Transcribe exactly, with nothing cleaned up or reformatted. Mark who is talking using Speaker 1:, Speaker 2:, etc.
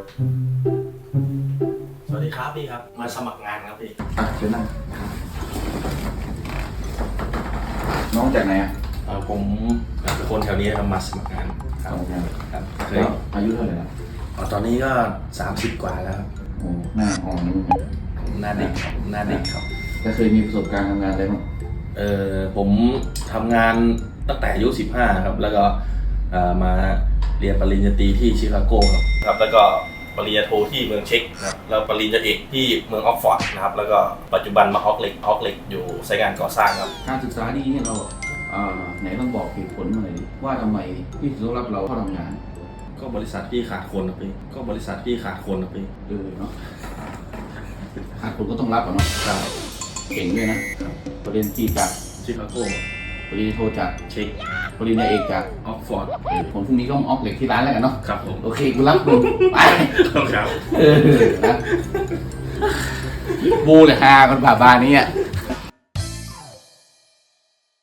Speaker 1: สวัสดีครับพี่ครับมาสมัครงานครับพี่
Speaker 2: อ่ะเชิญนั่งน้องจากไหนอ่ะ
Speaker 1: เออผมเป็นคนแถวนี้ครับมาสมัครงานครับครับเคย
Speaker 2: อายุเท่าไหร่แล้ว
Speaker 1: อ๋อตอนนี้ก็สามสิบกว่าแล้วครับ
Speaker 2: โอ้หน้าอ่อนนี่
Speaker 1: หน้าเด็กครับหน้าเด็กครับ
Speaker 2: แต่เคยมีประสบการณ์ทำงานอะไรบ้าง
Speaker 1: เออผมทำงานตั้งแต่อายุสิบห้าครับแล้วก็เอ่อมาเรียนปริญญาตรีที่ชิคาโกครับครับแล้วก็ปริญญาโทที่เมืองเช็กนะครับแล้วปริญญาเอกที่เมืองออกฟอร์ดนะครับแล้วก็ปัจจุบันมาออกเล็กออกเล็กอยู่ไซต์งานก่อสร้างครับ
Speaker 2: การศึกษาดีเนี่ยเราอ่าไหนต้องบอกเหตุผลมาหน่อยดิว่าทำไมพี่ถึงต้องรับเราเข้าทำงาน
Speaker 1: ก็บริษัทพี่ขาดคนครับพี่ก็บริษัทพี่ขาดคนครับพี่
Speaker 2: เออเนาะหากคนก็ต้องรับอ่ะเนาะ
Speaker 1: ครับ
Speaker 2: เก่งด้วยนะประเด็นที่จาก
Speaker 1: ชิคาโก
Speaker 2: ปริญญาโทจาก
Speaker 1: เช็ก
Speaker 2: ปริญญาเอกจาก
Speaker 1: ออกฟอร์ด
Speaker 2: เออผมพรุ่งนี้ก็ออกเหล็กที่ร้านแล้วกันเนาะ
Speaker 1: ครับผม
Speaker 2: โอเคกูรับมึงไป
Speaker 1: ครับ
Speaker 2: เออนะบูเลยฮาคนผ่าบานนี้อ่ะ